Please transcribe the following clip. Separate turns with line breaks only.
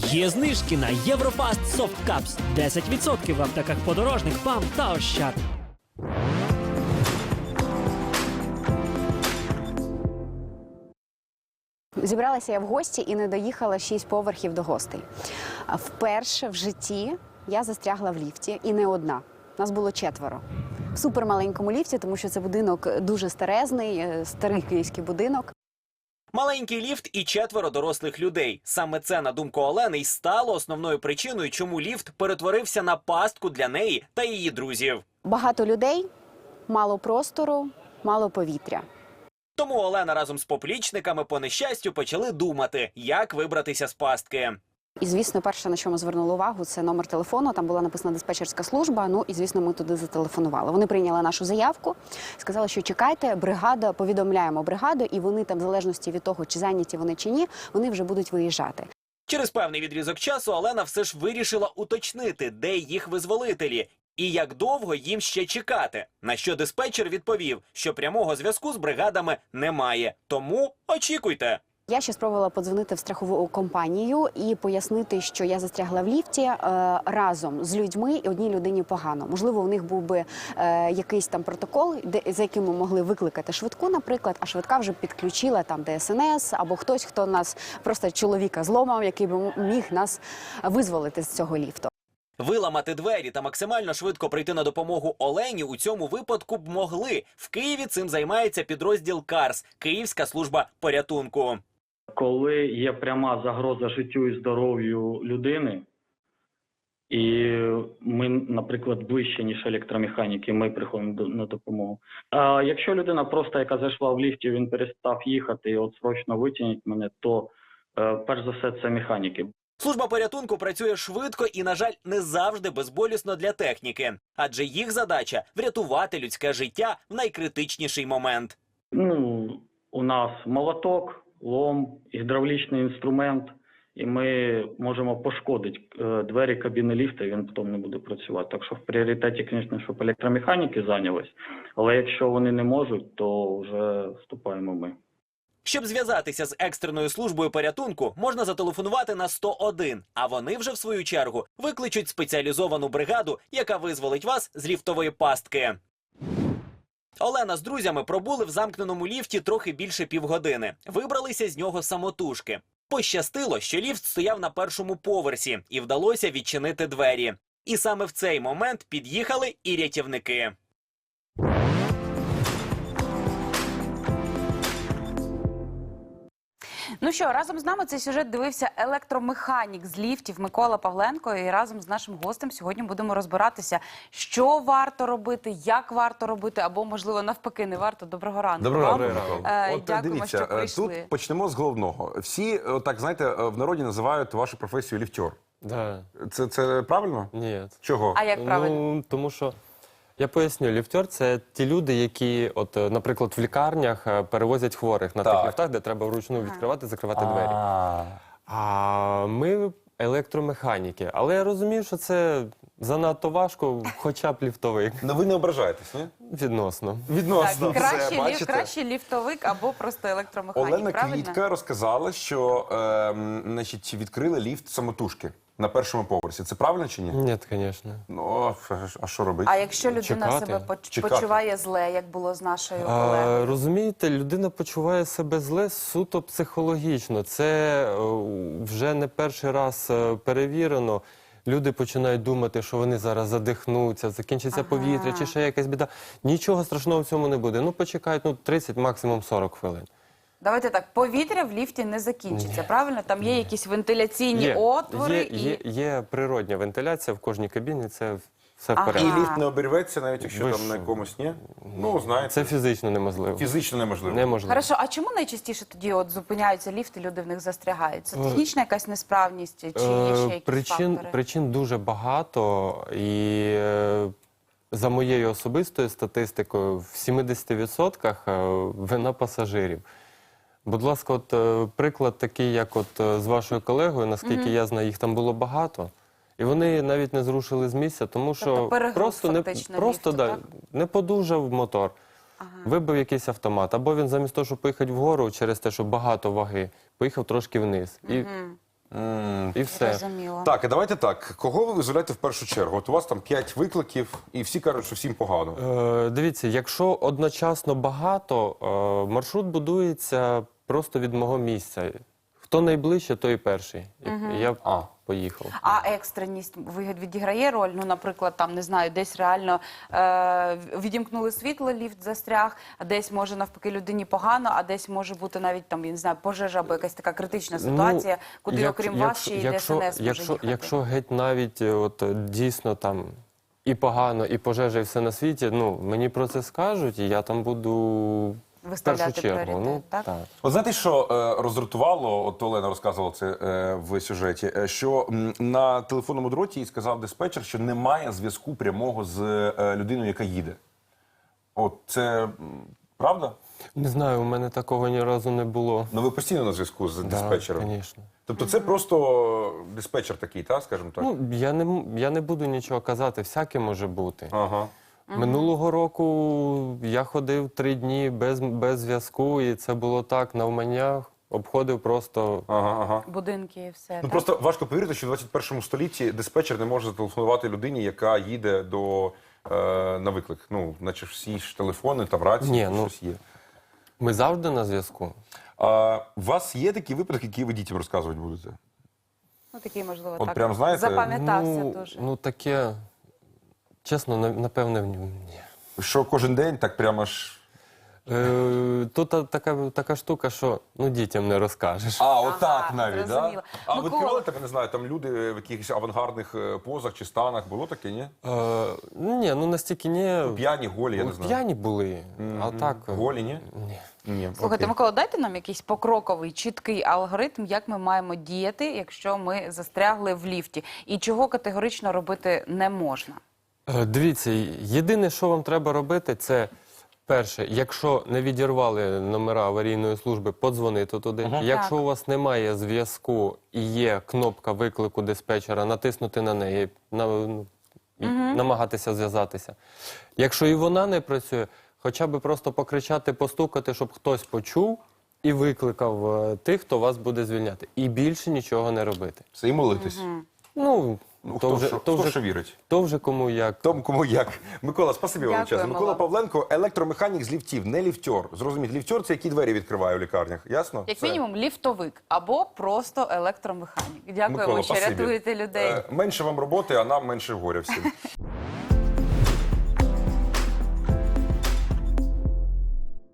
Є знижки на Єврофаст Soft Cups. 10% в аптеках Подорожник, ПАМ та Ощад.
Зібралася я в гості і не доїхала 6 поверхів до гостей. Вперше в житті я застрягла в ліфті, і не одна. Нас було 4. В супермаленькому ліфті, тому що це будинок дуже старезний, старий київський будинок.
Маленький ліфт і 4 дорослих людей. Саме це, на думку Олени, й стало основною причиною, чому ліфт перетворився на пастку для неї та її друзів.
Багато людей, мало простору, мало повітря.
Тому Олена разом з поплічниками по нещастю почали думати, як вибратися з пастки.
І, звісно, перше, на що ми звернули увагу, це номер телефону. Там була написана диспетчерська служба, ну і, звісно, ми туди зателефонували. Вони прийняли нашу заявку, сказали, що чекайте, бригада, повідомляємо бригаду, і вони там, в залежності від того, чи зайняті вони чи ні, вони вже будуть виїжджати.
Через певний відрізок часу Олена все ж вирішила уточнити, де їх визволителі і як довго їм ще чекати. На що диспетчер відповів, що прямого зв'язку з бригадами немає. Тому очікуйте.
Я ще спробувала подзвонити в страхову компанію і пояснити, що я застрягла в ліфті разом з людьми, і одній людині погано. Можливо, у них був би якийсь там протокол, за яким ми могли викликати швидку, наприклад, а швидка вже підключила там ДСНС або хтось, хто нас просто чоловіка зломав, який би міг нас визволити з цього ліфту.
Виламати двері та максимально швидко прийти на допомогу Олені у цьому випадку б могли. В Києві цим займається підрозділ КАРС – Київська служба порятунку.
Коли є пряма загроза життю і здоров'ю людини, і ми, наприклад, ближче, ніж електромеханіки, ми приходимо на допомогу. А якщо людина просто, яка зайшла в ліфті, він перестав їхати, і от срочно витягніть мене, то перш за все це механіки.
Служба порятунку працює швидко і, на жаль, не завжди безболісно для техніки. Адже їх задача – врятувати людське життя в найкритичніший момент.
У нас молоток, лом, гідравлічний інструмент, і ми можемо пошкодити двері кабіни ліфта, і він потім не буде працювати. Так що в пріоритеті, звісно, щоб електромеханіки зайнялись, але якщо вони не можуть, то вже вступаємо ми.
Щоб зв'язатися з екстреною службою порятунку, можна зателефонувати на 101, а вони вже, в свою чергу, викличуть спеціалізовану бригаду, яка визволить вас з ліфтової пастки. Олена з друзями пробули в замкненому ліфті трохи більше півгодини. Вибралися з нього самотужки. Пощастило, що ліфт стояв на 1-му поверсі і вдалося відчинити двері. І саме в цей момент під'їхали і рятівники.
Ну що, разом з нами цей сюжет дивився електромеханік з ліфтів Микола Павленко. І разом з нашим гостем сьогодні будемо розбиратися, що варто робити, як варто робити, або, можливо, навпаки, не варто. Доброго ранку.
Доброго ранку.
От дякуємо, що прийшли.
Тут почнемо з головного. Всі, так, знаєте, в народі називають вашу професію ліфтер.
Да.
Це правильно?
Ні.
Чого?
А як правильно?
Ну, тому що, я поясню, ліфтер – це ті люди, які, от, наприклад, в лікарнях перевозять хворих на тих ліфтах, де треба вручну відкривати, закривати двері. А ми електромеханіки. Але я розумію, що це занадто важко, хоча б ліфтовик.
Ну ви не ображаєтесь, ні?
Відносно.
Відносно.
Так,
Все,
краще ліфтовик або просто електромеханік,
Олена
правильно?
Квітка розказала, що значить, відкрили ліфт самотужки на 1-му поверсі. Це правильно чи ні?
Ні, звісно.
Ну, а що робити?
А якщо людина
Чекати.
себе
Чекати.
почуває зле, як було з нашою колегою?
Розумієте, людина почуває себе зле суто психологічно. Це вже не перший раз перевірено. Люди починають думати, що вони зараз задихнуться, закінчиться повітря чи ще якась біда. Нічого страшного в цьому не буде. Ну, почекають 30, максимум 40 хвилин.
Давайте так, повітря в ліфті не закінчиться, правильно? Там є якісь вентиляційні отвори.
Є природня вентиляція в кожній кабіні, це все в
І
порядку.
ліфт не обірветься, навіть якщо
Ви
там
що?
на якомусь ні? Ну, знаєте,
Це фізично неможливо.
фізично неможливо.
Неможливо.
Хорошо, а чому найчастіше тоді от зупиняються ліфти, люди в них застрягають? Це технічна якась несправність, чи є ще якісь фактори?
Причин дуже багато, і за моєю особистою статистикою в 70% вина пасажирів. Будь ласка, от приклад такий, як от з вашою колегою, наскільки я знаю, їх там було багато. І вони навіть не зрушили з місця, тому що просто не подужав мотор, вибив якийсь автомат. Або він замість того, щоб поїхати вгору через те, що багато ваги, поїхав трошки вниз. І І все.
Зрозуміло.
Так, і давайте так. Кого ви визволяєте в першу чергу? От у вас там 5 викликів, і всі кажуть, що всім погано.
Дивіться, якщо одночасно багато, маршрут будується просто від мого місця. Хто найближче, той і перший. І я поїхав.
А екстреність відіграє роль? Ну, наприклад, там, не знаю, десь реально відімкнули світло, ліфт застряг, а десь може навпаки людині погано, а десь може бути навіть там, я не знаю, пожежа або якась така критична ситуація, куди окрім вас ще й ДСНС може їхати.
Якщо геть навіть от, дійсно там і погано, і пожежа, і все на світі, ну, мені про це скажуть, і я там буду в
Виставляти
першу чергу.
пріоритет, так?
От знаєте, що роздратувало, от Олена розказувала це в сюжеті, що на телефонному дроті їй сказав диспетчер, що немає зв'язку прямого з людиною, яка їде. От це правда?
Не знаю, у мене такого ні разу не було.
Ну ви постійно на зв'язку з диспетчером?
Так, звісно.
Тобто це просто диспетчер такий, так, скажімо так?
Ну, я не буду нічого казати, всяке може бути.
Ага.
Минулого року я ходив 3 дні без зв'язку, і це було так, навмання, обходив просто.
Ага.
Будинки і все.
Ну
так?
просто важко повірити, що в 21 столітті диспетчер не може зателефонувати людині, яка їде на виклик. Ну, наче всі ж телефони та рації,
Ні, ну,
щось є.
Ми завжди на зв'язку.
У вас є такі випадки, які ви дітям розказувати будете?
Ну, такий, можливо,
От
так.
прям, знаєте,
Запам'ятався дуже.
Ну, таке, чесно, напевне, ні.
Що кожен день так прямо ж...
Тут така штука, що дітям не розкажеш.
Отак навіть, так?
зрозуміло.
А ви
Микола.
відкривали, так, я не знаю, там люди в якихось авангардних позах чи станах, було таке, ні?
Ні, настільки ні.
П'яні, голі, я не знаю.
П'яні були, а так...
Голі, ні?
Ні.
Ні.
Слухайте,
окей.
Микола, дайте нам якийсь покроковий, чіткий алгоритм, як ми маємо діяти, якщо ми застрягли в ліфті, і чого категорично робити не можна.
Дивіться, єдине, що вам треба робити, це перше, якщо не відірвали номера аварійної служби, подзвонити туди. Якщо
Так.
у вас немає зв'язку і є кнопка виклику диспетчера, натиснути на неї, і намагатися зв'язатися. Якщо і вона не працює, хоча б просто покричати, постукати, щоб хтось почув і викликав тих, хто вас буде звільняти. І більше нічого не робити.
Все, і молитись.
Ну,
Хто що вірить?
то вже кому як.
Тому кому як. Микола, спасибі вам
Дякуємо
величезне. Микола
вам.
Павленко, електромеханік з ліфтів, не ліфтьор. Зрозуміть, ліфтьор – це які двері відкриває в лікарнях, ясно?
Як
Все.
мінімум, ліфтовик або просто електромеханік. Дякуємо,
Микола,
що
спасибі.
рятуєте людей.
Менше вам роботи, а нам менше горя всім.